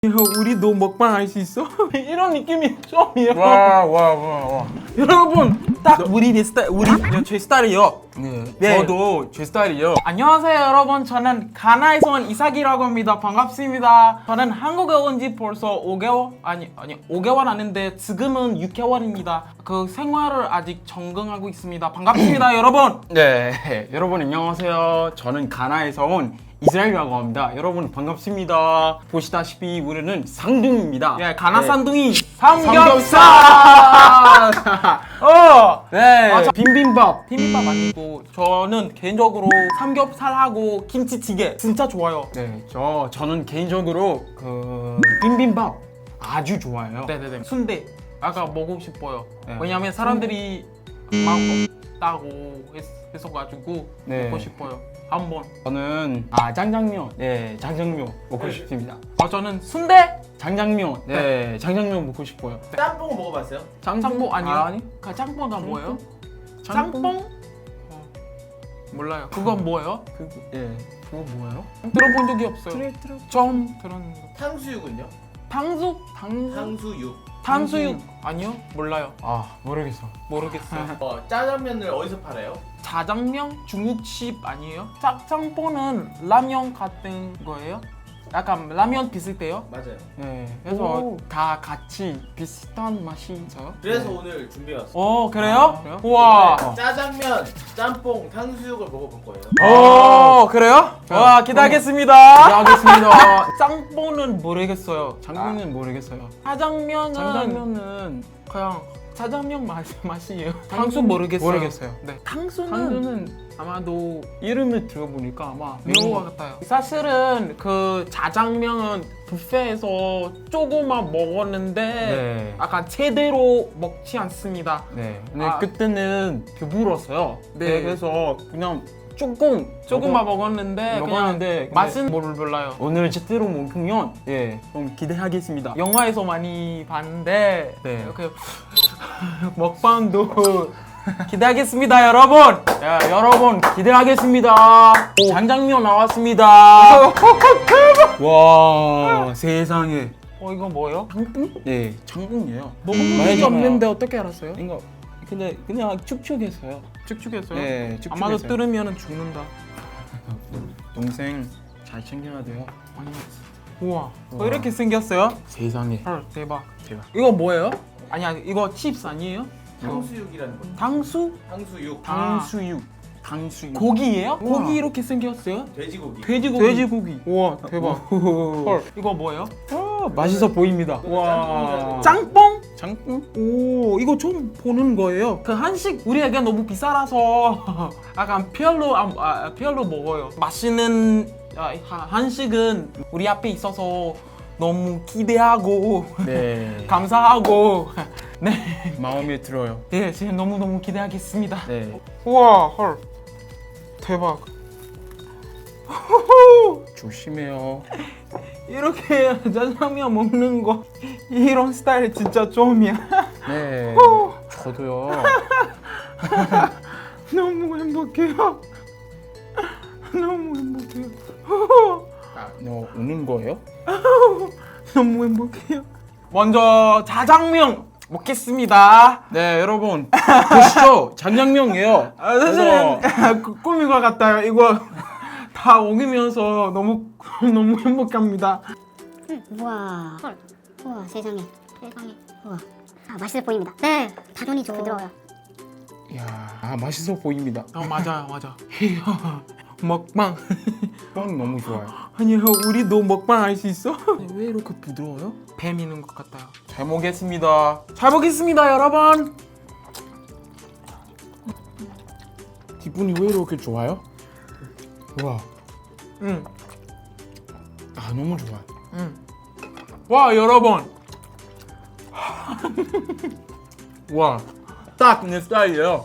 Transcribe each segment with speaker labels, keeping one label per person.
Speaker 1: 우리도 먹방 할 수 있어? 이런 느낌이 처음이에요.
Speaker 2: 와.
Speaker 1: 여러분, 딱 우리 내 스타일, 제 스타일이요.
Speaker 2: 네, 저도 제 스타일이요.
Speaker 1: 안녕하세요, 여러분. 저는 가나에서 온 이삭이라고 합니다. 반갑습니다. 저는 한국에 온 지 벌써 5개월? 아니 5개월 아닌데 지금은 6개월입니다. 그 생활을 아직 적응하고 있습니다. 반갑습니다, 여러분.
Speaker 2: 네, 여러분 안녕하세요. 저는 가나에서 온 이스라엘이라고 합니다. 여러분 반갑습니다. 보시다시피 우리는 쌍둥이입니다.
Speaker 1: 예, 가나
Speaker 2: 네.
Speaker 1: 쌍둥이 삼겹살.
Speaker 2: 네,
Speaker 1: 맞아.
Speaker 2: 비빔밥.
Speaker 1: 비빔밥 아니고 저는 개인적으로 삼겹살하고 김치찌개 진짜 좋아요.
Speaker 2: 네, 저는 개인적으로 그 비빔밥 아주 좋아해요.
Speaker 1: 네네네. 순대 아까 먹고 싶어요.
Speaker 2: 네.
Speaker 1: 왜냐면 사람들이 막 없다고 했어가지고
Speaker 2: 네.
Speaker 1: 먹고 싶어요. 한번.
Speaker 2: 저는 장장면. 네, 장장면 먹고
Speaker 1: 네.
Speaker 2: 싶습니다.
Speaker 1: 저는 순대.
Speaker 2: 장장면. 네, 장장면 먹고 싶어요.
Speaker 3: 짬뽕 먹어봤어요?
Speaker 1: 짬뽕 아니요?
Speaker 2: 아니.
Speaker 1: 그 짬뽕가 뭐예요?
Speaker 2: 짬뽕?
Speaker 1: 짬뽕? 몰라요. 그건 뭐예요?
Speaker 2: 그거 뭐예요?
Speaker 1: 들어본 적이 없어요. 처음 들었는 거.
Speaker 3: 탕수육은요?
Speaker 1: 탕수육?
Speaker 3: 탕수육.
Speaker 1: 아니요? 몰라요.
Speaker 2: 모르겠어.
Speaker 1: 모르겠어요.
Speaker 3: 짜장면을 어디서 팔아요?
Speaker 1: 자장면 중국집 아니에요? 짬뽕은 라면 같은 거예요? 약간 라면 비슷해요?
Speaker 3: 맞아요.
Speaker 2: 네, 그래서
Speaker 1: 오.
Speaker 2: 다 같이 비슷한 맛이 있어요.
Speaker 3: 그래서
Speaker 2: 네.
Speaker 3: 오늘 준비해왔어요.
Speaker 1: 그래요?
Speaker 2: 그래요?
Speaker 1: 우와.
Speaker 3: 오늘 짜장면, 짬뽕, 탕수육을 먹어볼 거예요.
Speaker 1: 그래요? 와, 기대하겠습니다.
Speaker 2: 기대하겠습니다.
Speaker 1: 짬뽕은 모르겠어요.
Speaker 2: 장면은 모르겠어요.
Speaker 1: 짜장면은 그냥 짜장면 맛이에요. 탕수 모르겠어요. 네.
Speaker 2: 탕수는
Speaker 1: 아마도
Speaker 2: 이름을 들어보니까 아마
Speaker 1: 매운 것 같아요. 사실은 그 자장면은 뷔페에서 조금만 먹었는데
Speaker 2: 네.
Speaker 1: 약간 제대로 먹지 않습니다.
Speaker 2: 네. 근데
Speaker 1: 아.
Speaker 2: 그때는 배불렀어요.
Speaker 1: 네.
Speaker 2: 그래서 그냥
Speaker 1: 조금만 먹었는데
Speaker 2: 먹었는데
Speaker 1: 그냥 맛은 몰라요.
Speaker 2: 오늘 제대로 먹으면 좀 기대하겠습니다.
Speaker 1: 영화에서 많이 봤는데
Speaker 2: 네.
Speaker 1: 이렇게 먹방도 기대하겠습니다, 여러분.
Speaker 2: 야, 여러분 기대하겠습니다. 장장면 나왔습니다. 와, 세상에.
Speaker 1: 이거 뭐예요?
Speaker 2: 장풍? 네, 장풍이에요.
Speaker 1: 먹어본 적이
Speaker 2: 말해주나요?
Speaker 1: 없는데 어떻게 알았어요?
Speaker 2: 이거 근데 그냥 축축했어요.
Speaker 1: 축축했어요?
Speaker 2: 네, 축축했어요.
Speaker 1: 아마도 뜯으면 죽는다.
Speaker 2: 동생 잘 챙겨야 돼요.
Speaker 1: 우와.
Speaker 2: 우와.
Speaker 1: 이렇게 생겼어요?
Speaker 2: 세상에.
Speaker 1: 헐, 대박.
Speaker 2: 대박.
Speaker 1: 이거 뭐예요? 아니야, 이거 칩스 아니에요?
Speaker 3: 탕수육이라는 거예요.
Speaker 1: 당수?
Speaker 3: 탕수육.
Speaker 2: 탕수육. 탕수육.
Speaker 1: 고기예요?
Speaker 2: 우와.
Speaker 1: 고기 이렇게 생겼어요?
Speaker 3: 돼지고기.
Speaker 1: 돼지고기. 우와, 대박. 헐, 이거 뭐예요?
Speaker 2: 맛있어 보입니다.
Speaker 3: 와.
Speaker 1: 짱뽕?
Speaker 2: 장풍?
Speaker 1: 오, 이거 처음 보는 거예요. 그 한식 우리에게 너무 비싸라서 약간 별로 먹어요. 맛있는 한식은 우리 앞에 있어서 너무 기대하고
Speaker 2: 네.
Speaker 1: 감사하고 네,
Speaker 2: 마음에 들어요.
Speaker 1: 네, 지금 너무 기대하겠습니다.
Speaker 2: 네.
Speaker 1: 우와, 헐, 대박.
Speaker 2: 조심해요.
Speaker 1: 이렇게 짜장면 먹는 거 이런 스타일 진짜 처음이야.
Speaker 2: 네. 저도요.
Speaker 1: 너무 행복해요. 너무 행복해요.
Speaker 2: 너 우는 거예요?
Speaker 1: 너무 행복해요. 먼저 자장면 먹겠습니다.
Speaker 2: 네, 여러분 보시죠. 장장면이에요.
Speaker 1: 사실은 꿈인 것 같아요. 이거 다 먹으면서 너무 행복합니다.
Speaker 4: 우와. 헐. 우와, 세상에. 우와. 맛있어 보입니다. 네. 다존이 부드러워요.
Speaker 2: 이야, 맛있어 보입니다.
Speaker 1: 맞아. 먹방.
Speaker 2: 빵 너무 좋아요.
Speaker 1: 아니요, 우리도 먹방 할 수 있어? 왜 이렇게 부드러워요? 뱀 있는 것 같아요.
Speaker 2: 잘 먹겠습니다.
Speaker 1: 잘 먹겠습니다, 여러분.
Speaker 2: 기분이 왜 이렇게 좋아요? 와, 너무 좋아.
Speaker 1: 와, 여러분.
Speaker 2: 와, 딱 내 스타일이에요.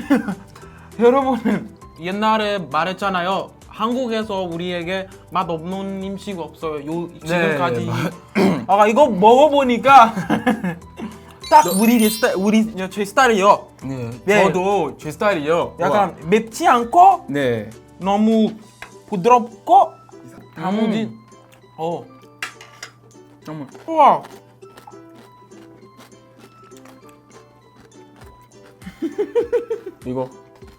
Speaker 1: 여러분은 옛날에 말했잖아요. 한국에서 우리에게 맛 없는 음식 없어요. 지금까지. 이거 먹어보니까 딱 제 스타일이요.
Speaker 2: 네,
Speaker 1: 네.
Speaker 2: 저도 제 스타일이요.
Speaker 1: 약간 맵지 않고
Speaker 2: 네,
Speaker 1: 너무 부드럽고 단무지.
Speaker 2: 너무.
Speaker 1: 우와.
Speaker 2: 이거.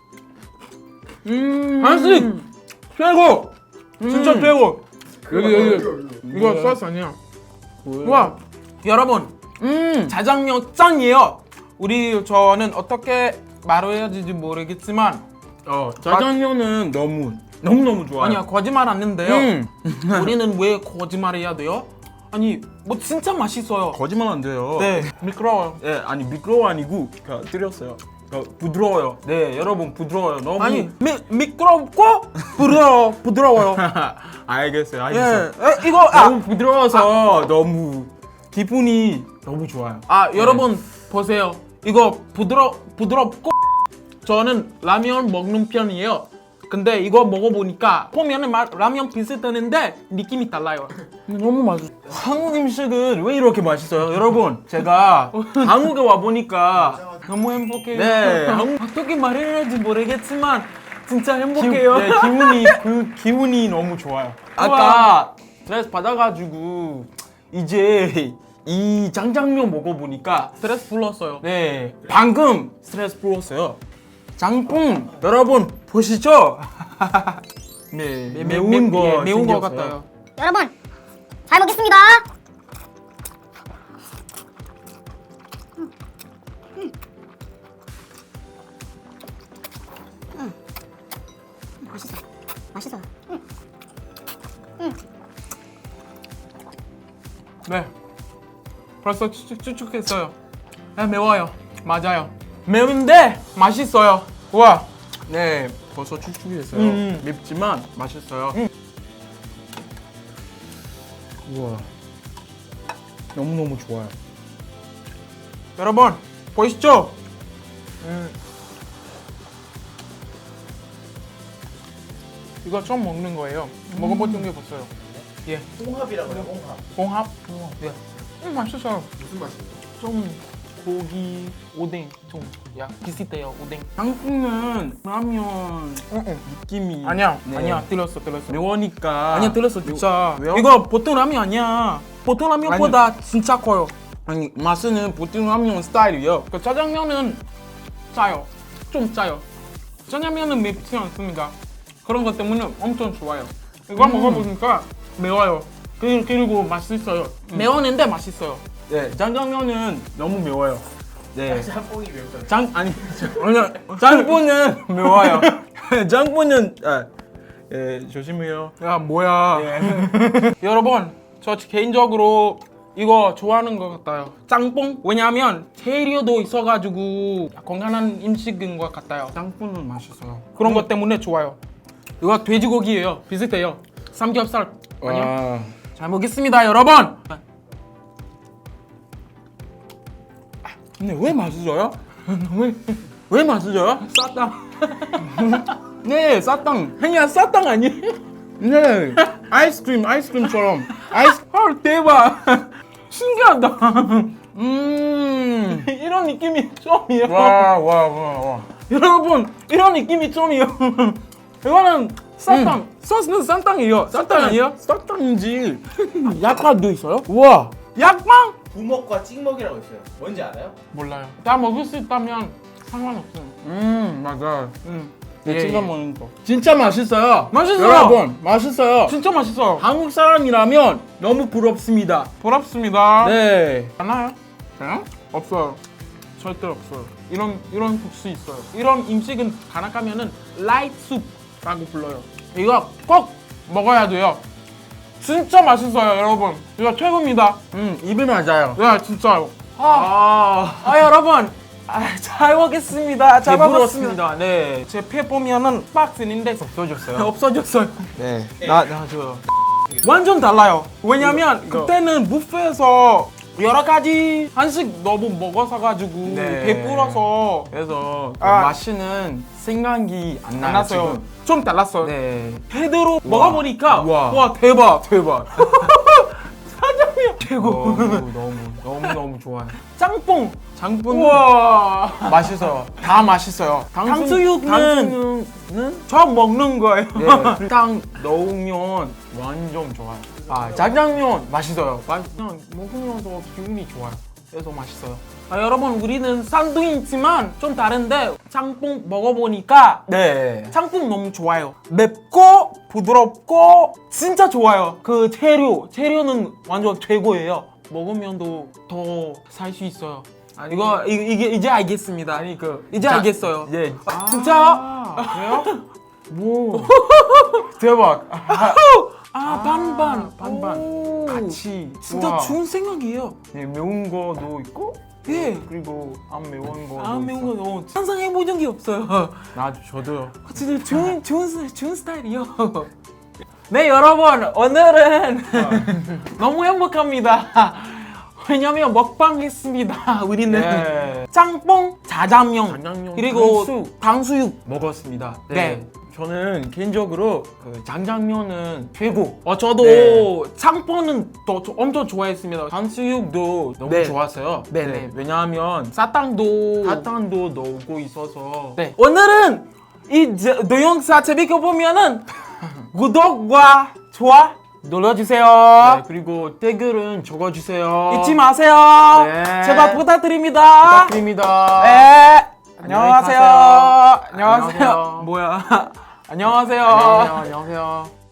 Speaker 1: 한식 최고. 진짜 최고. 여기 이거
Speaker 2: 뭐야?
Speaker 1: 소스 아니야.
Speaker 2: 뭐야?
Speaker 1: 우와. 여러분 자장면 짱이에요. 저는 어떻게 말해야 될지 모르겠지만
Speaker 2: 짜장면은 너무 좋아요.
Speaker 1: 아니야 거짓말 안 했는데요.
Speaker 2: 음.
Speaker 1: 우리는 왜 거짓말해야 돼요? 아니 뭐 진짜 맛있어요.
Speaker 2: 거짓말 안 돼요.
Speaker 1: 네 미끄러워요.
Speaker 2: 네, 아니 미끄러워 아니고 드렸어요. 부드러워요. 네, 여러분 부드러워요. 너무.
Speaker 1: 아니 미끄럽고 부드러워요.
Speaker 2: 알겠어요.
Speaker 1: 예, 이거
Speaker 2: 너무 부드러워서 너무 기분이 너무 좋아요.
Speaker 1: 여러분 보세요. 이거 부드럽고 저는 라면 먹는 편이에요. 근데 이거 먹어보니까 보면은 라면 비슷했는데 느낌이 달라요.
Speaker 2: 너무 맛있어. 한국 음식은 왜 이렇게 맛있어요? 여러분, 제가 한국에 와 보니까
Speaker 1: 너무 행복해요.
Speaker 2: 네,
Speaker 1: 어떻게 말해야 할지 모르겠지만 진짜 행복해요.
Speaker 2: 기분이 너무 좋아요. 아까 스트레스 받아가지고 이제 이 장장면 먹어보니까
Speaker 1: 스트레스 풀었어요.
Speaker 2: 네, 방금 스트레스 풀었어요. 장풍 여러분 보시죠? 네, 매운 거
Speaker 1: 매운 거
Speaker 2: 생겼어요.
Speaker 1: 같아요.
Speaker 4: 여러분 잘 먹겠습니다. 맛있어. 맛있어.
Speaker 1: 네. 벌써 추측했어요. 네, 매워요. 맞아요. 매운데 맛있어요. 우와.
Speaker 2: 네, 벌써 축축했어요. 맵지만 맛있어요. 우와, 너무 좋아요.
Speaker 1: 여러분 보이시죠? 이거 처음 먹는 거예요. 먹어본 적이 없어요. 예.
Speaker 3: 홍합이라고 해요. 홍합.
Speaker 1: 공합. 예. 맛있어요.
Speaker 3: 무슨 맛이에요?
Speaker 1: 좀 고기 오뎅 좀 비슷해요. 오뎅.
Speaker 2: 장풍은 라면 느낌이
Speaker 1: 아니야.
Speaker 2: 네.
Speaker 1: 아니야. 들렸어.
Speaker 2: 매우니까
Speaker 1: 아니야 들렸어 진짜.
Speaker 2: 왜요?
Speaker 1: 이거 보통 라면 아니야. 보통 라면보다 진짜 커요.
Speaker 2: 아니 맛은 보통 라면 스타일이요.
Speaker 1: 그 짜장면은 짜요. 좀 짜요. 짜장면은 맵지 않습니다. 그런 것 때문에 엄청 좋아요. 이거 먹어보니까 매워요. 그리고 맛있어요. 매웠는데 맛있어요.
Speaker 2: 네, 장장면은 너무 매워요. 네,
Speaker 3: 짬뽕이 매운데.
Speaker 2: 아니야, 장분은 매워요. 장분은 조심해요.
Speaker 1: 야 뭐야.
Speaker 2: 예.
Speaker 1: 여러분 저 개인적으로 이거 좋아하는 것 같아요. 짬뽕. 왜냐하면 재료도 있어가지고 건강한 음식인 것 같아요.
Speaker 2: 장분은 맛있어요.
Speaker 1: 그런 것 때문에 좋아요. 이거 돼지고기예요. 비슷해요. 삼겹살 아니요?
Speaker 2: 와.
Speaker 1: 잘 먹겠습니다, 여러분.
Speaker 2: 근데 왜 맛있어요? 왜 맛있어요?
Speaker 1: 싸다.
Speaker 2: 네, 쌀땅. 그냥 쌀땅 아니에요? 네, 아이스크림처럼.
Speaker 1: 헐 대박. 신기하다. 이런 느낌이 처음이에요.
Speaker 2: 와.
Speaker 1: 여러분 이런 느낌이 처음이에요. 이거는 쌀땅. 소스는 쌀땅이에요. 쌀땅 아니에요?
Speaker 2: 쌀땅인지.
Speaker 1: 약과도 있어요?
Speaker 2: 우와.
Speaker 1: 약빵?
Speaker 3: 부먹과 찍먹이라고 있어요. 뭔지 알아요?
Speaker 1: 몰라요. 다 먹을 수 있다면 상관없어요.
Speaker 2: 맞아.
Speaker 1: 예,
Speaker 2: 찍어
Speaker 1: 예.
Speaker 2: 먹는 거. 진짜 맛있어요.
Speaker 1: 맛있어요.
Speaker 2: 여러분, 맛있어요.
Speaker 1: 진짜 맛있어요.
Speaker 2: 한국 사람이라면 너무 부럽습니다.
Speaker 1: 부럽습니다.
Speaker 2: 네.
Speaker 1: 하나요? 없어요. 절대 없어요. 이런 국수 있어요. 이런 음식은 가나 가면은 라이트 숲라고 불러요. 이거 꼭 먹어야 돼요. 진짜 맛있어요, 여러분. 이거 최고입니다.
Speaker 2: 입에 맞아요.
Speaker 1: 야, 진짜요. 여러분. 잘 먹겠습니다. 잘 먹었습니다.
Speaker 2: 배부럽습니다. 네.
Speaker 1: 제 폐 보면은 박스인데
Speaker 2: 없어졌어요.
Speaker 1: 없어졌어요.
Speaker 2: 네. 나 줘요.
Speaker 1: 완전 달라요. 왜냐면
Speaker 2: 이거.
Speaker 1: 그때는 뷔페에서 여러 가지 한식 너무 먹어서 가지고
Speaker 2: 네.
Speaker 1: 배불러서
Speaker 2: 그래서
Speaker 1: 아.
Speaker 2: 맛있는 생각이 안 나요.
Speaker 1: 안 났어요.
Speaker 2: 지금.
Speaker 1: 좀 달랐어요.
Speaker 2: 네.
Speaker 1: 제대로 먹어보니까
Speaker 2: 우와.
Speaker 1: 와 대박. 사장님 최고.
Speaker 2: 너무 좋아요.
Speaker 1: 짬뽕.
Speaker 2: 장분
Speaker 1: 우와.
Speaker 2: 맛있어요. 다 맛있어요.
Speaker 1: 탕수육은
Speaker 2: 탕수육은
Speaker 1: 저 먹는 거예요.
Speaker 2: 네, 딱 넣으면 완전 좋아요. 짜장면 맛있어요. 그냥 먹으면서 기분이 좋아요. 그래서 맛있어요.
Speaker 1: 여러분 우리는 쌍둥이지만 좀 다른데 짬뽕 먹어보니까
Speaker 2: 네.
Speaker 1: 짬뽕 너무 좋아요. 맵고 부드럽고 진짜 좋아요. 그 재료는 완전 최고예요. 먹으면도 더 살 수 있어요. 이게 이제 알겠습니다.
Speaker 2: 아니
Speaker 1: 이제 알겠어요.
Speaker 2: 예.
Speaker 1: 진짜요?
Speaker 2: 그래요? 뭐 대박.
Speaker 1: 반반
Speaker 2: 반반 같이.
Speaker 1: 진짜
Speaker 2: 우와.
Speaker 1: 좋은 생각이에요.
Speaker 2: 네, 매운 거도 있고
Speaker 1: 예.
Speaker 2: 그리고 안 매운 거도
Speaker 1: 안 매운
Speaker 2: 있어.
Speaker 1: 거 항상 해본 적이 없어요.
Speaker 2: 저도요.
Speaker 1: 진짜 좋은 스타일이요. 네 여러분 오늘은 너무 행복합니다. 왜냐면 먹방 했습니다. 우리는
Speaker 2: 네.
Speaker 1: 짬뽕, 자장면,
Speaker 2: 자장면,
Speaker 1: 그리고
Speaker 2: 탕수육.
Speaker 1: 탕수육.
Speaker 2: 먹었습니다.
Speaker 1: 네.
Speaker 2: 저는 개인적으로 그 장장면은 최고.
Speaker 1: 저도
Speaker 2: 네.
Speaker 1: 짬뽕은 엄청 좋아했습니다.
Speaker 2: 탕수육도 너무
Speaker 1: 네.
Speaker 2: 좋았어요.
Speaker 1: 네.
Speaker 2: 왜냐하면
Speaker 1: 사탕도.
Speaker 2: 사탕도 넣고 있어서.
Speaker 1: 네. 오늘은 이 동영상 재밌게 보면은 구독과 좋아 눌러주세요.
Speaker 2: 네, 그리고 댓글은 적어주세요.
Speaker 1: 잊지 마세요.
Speaker 2: 네.
Speaker 1: 제발 부탁드립니다.
Speaker 2: 부탁드립니다.
Speaker 1: 네.
Speaker 2: 안녕히
Speaker 1: 안녕하세요.
Speaker 2: 가세요.
Speaker 1: 안녕하세요.
Speaker 2: 안녕하세요.
Speaker 1: 뭐야? 안녕하세요.
Speaker 2: 안녕하세요.